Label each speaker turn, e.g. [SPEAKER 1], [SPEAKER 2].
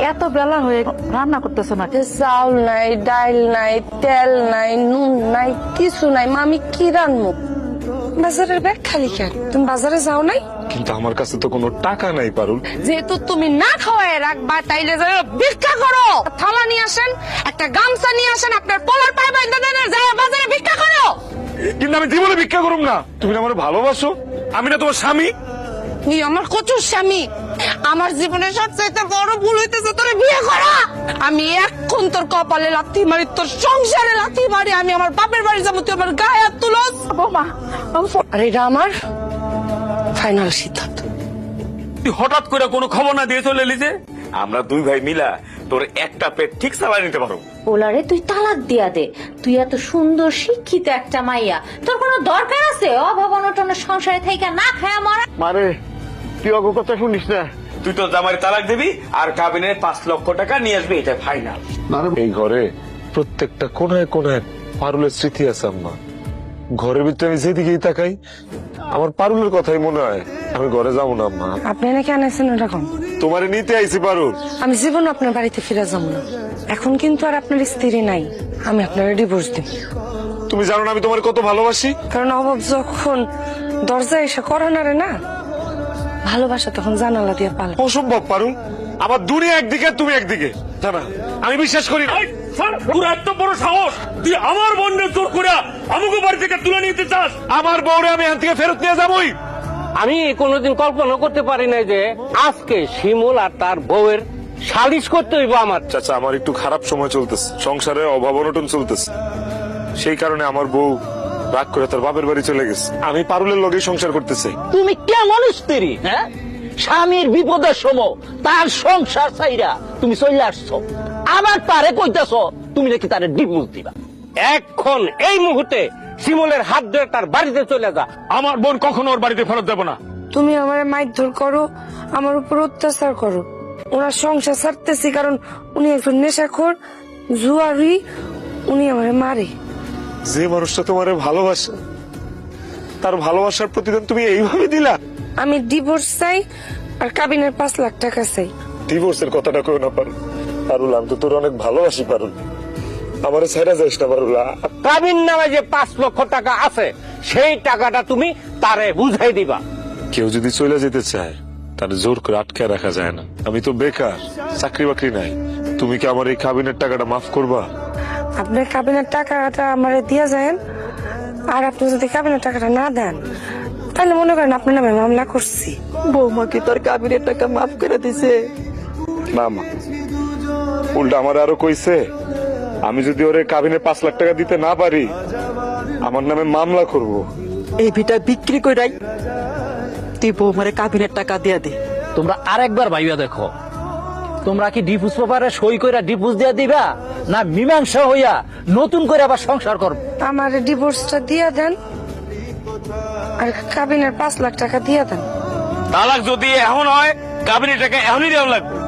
[SPEAKER 1] এত বেলা হয়ে রান্না করতেছো না?
[SPEAKER 2] চাউল নাই, ডাল নাই, তেল নাই, নুন নাই, কিছু নাই। মা আমি কি রান্নু? বাজারের ব্যাগ খালি কেন? তুমি বাজারে যাও নাই?
[SPEAKER 3] কিন্তু আমার কাছে তো কোনো টাকা নাই পারুল।
[SPEAKER 2] যেহেতু তুমি না খাওয়ায় রাখবা তাইলে ভিক্ষা করো। থালা নিয়ে আসেন, একটা গামছা নিয়ে আসেন, আপনার পোলার পায়ে বাইন্ধা দেন, আর যাইয়া বাজারে ভিক্ষা করো।
[SPEAKER 3] কিন্তু আমি জীবনে ভিক্ষা করুম না। তুমি না আমার ভালোবাসো, আমি না তোমার স্বামী।
[SPEAKER 2] তুই আমার কচুর স্বামী। আমার জীবনের সবচাইতে বড় ভুল হইতেছে তোরে বিয়ে করা। আমি এখন তোর কপালে লাথি মারি, তোর সংসারে লাথি মারি। আমি আমার বাপের বাড়ি যাবো, তুই আমার গায়ে হাত তুলস।
[SPEAKER 1] বৌমা,
[SPEAKER 2] আর এটা আমার ফাইনাল সিদ্ধান্ত।
[SPEAKER 4] তুই হঠাৎ করে কোনো খবর না দিয়ে চলে এলি যে? আমরা দুই ভাই মিলা তোর একটা পেট ঠিক চালাই নিতে পারো।
[SPEAKER 5] ওলারে তুই তালাক দিয়া দে। তুই এত সুন্দর শিক্ষিত একটা মাইয়া, তোর কোনো দরকার আছে অভাব অনটনের সংসারে থেকে না খায়া মরা?
[SPEAKER 6] মানে তুই অগো কথা শুনিস না?
[SPEAKER 4] তুই তো জামাই তালাক দিবি আর কাবিনে 5 লক্ষ টাকা নিয়ে আসবি, এটা ফাইনাল।
[SPEAKER 3] এই ঘরে প্রত্যেকটা কোনায় কোনায় পারুলের স্মৃতি আছে আম্মা। ঘরের ভিতরে আমি যেদিকেই তাকাই আমার পারুলের কথাই মনে হয়। আমি ঘরে যাবো না আম্মা।
[SPEAKER 2] আপনি নাকি আনাইছেন এরকম?
[SPEAKER 3] তোমারে নিতে আইছি পারুল।
[SPEAKER 2] আমি জীবন আপনার বাড়িতে ফিরে যাবো না। এখন কিন্তু আর আপনার স্ত্রী নাই। আমি আপনার ডিভোর্স দিব।
[SPEAKER 3] তুমি জানো না আমি তোমার কত ভালোবাসি।
[SPEAKER 2] কারণ অভাব যখন দরজায় এসে করে না রে না, ভালোবাসা তখন জানালা দিয়ে পালা।
[SPEAKER 3] অসম্ভব পারুল, আমার দুনিয়া একদিকে তুমি একদিকে। জানা আমি বিশ্বাস করি না।
[SPEAKER 4] তোর এত বড় সাহস, তুই আমার বোনের জোর করে আমাকে বাড়ি থেকে তুলে নিতে চাস?
[SPEAKER 3] আমার বউরে আমি এখান থেকে ফেরত নিয়ে যাবোই।
[SPEAKER 7] আমি কোনোদিন কল্পনা করতে পারি নাই যে আজকে শিমুল আর তার বউয়ের সালিশ করতে হইব আমার।
[SPEAKER 3] চাচা আমার একটু খারাপ সময় চলতেছে, সংসারে অভাব অনটন চলতেছে। সেই কারণে আমার বউ রাগ করে তার বাপের বাড়ি চলে গেছে। আমি পারুলের লগেই সংসার করতেছি।
[SPEAKER 7] তুমি কেমন স্ত্রী? হ্যাঁ, স্বামীর বিপদের সময় তার সংসার চাইরা তুমি চলে আসছো, আবার তারে কইতাছ তুমি নাকি তারে ডিভোর্স দিবা। এখন এই মুহূর্তে শিমুলের হাত ধরে তার বাড়িতে চলে যা।
[SPEAKER 4] আমার বোন কখনো ওর বাড়িতে ফেরত দেবো না।
[SPEAKER 2] তুমি আমার মারধর করো, আমার উপর অত্যাচার করো। ওনার সংসার ছাড়তেছি কারণ উনি একজন নেশাখোর, জুয়ারি। উনি আমার মারে।
[SPEAKER 3] যে মানুষটা তোমারে ভালোবাসে তার ভালোবাসার প্রতিদান তুমি এইভাবে দিলা।
[SPEAKER 2] আমি ডিভোর্স চাই আর কাবিনের 5 লাখ টাকা চাই।
[SPEAKER 3] ডিভোর্সের কথাটা কেউ না পারুল। পারুল আমি তো তোর অনেক ভালোবাসি পারুল, আমারে ছেড়ে যাইস না পারুল।
[SPEAKER 7] কাবিন নামে যে 5 লক্ষ টাকা আছে সেই টাকাটা তুমি তারে বুঝাই দিবা।
[SPEAKER 3] কেউ যদি চলে যেতে চায় তার জোর করে আটকে রাখা যায় না। আমি তো বেকার, চাকরি বাকরি নাই। তুমি কি আমার এই কাবিনের টাকাটা মাফ করবা?
[SPEAKER 2] আপনার কাবিনের টাকাটা আমারে দিয়ে যান। আর আপনি যদি কাবিনের টাকাটা না দেন তাহলে মনে করেন আপনার নামে মামলা করছি।
[SPEAKER 1] বৌমা কি তোর কাবিনের টাকা মাফ করে দিছে?
[SPEAKER 3] না মা, উল্টা আমার আরো কইছে আমি যদি ওরে কাবিনে 5 লাখ টাকা দিতে না পারি আমার নামে মামলা করব।
[SPEAKER 1] এই ভিটা বিক্রি কইরাই তুই বৌমারে কাবিনের টাকা দিয়ে দে।
[SPEAKER 7] তোমরা আরেকবার ভাইবা দেখো, তোমরা কি ডিভোর্স পেপারে সই কইরা ডিভোর্স দিয়ে দিবা না মীমাংসা হইয়া নতুন করে আবার সংসার করবে?
[SPEAKER 2] আমার ডিভোর্সটা দিয়ে দেন আর কাবিনের 5 লাখ টাকা দিয়ে দেন।
[SPEAKER 4] তালাক যদি এখন হয় কাবিনের টাকা এখনই দেওয়া লাগবে।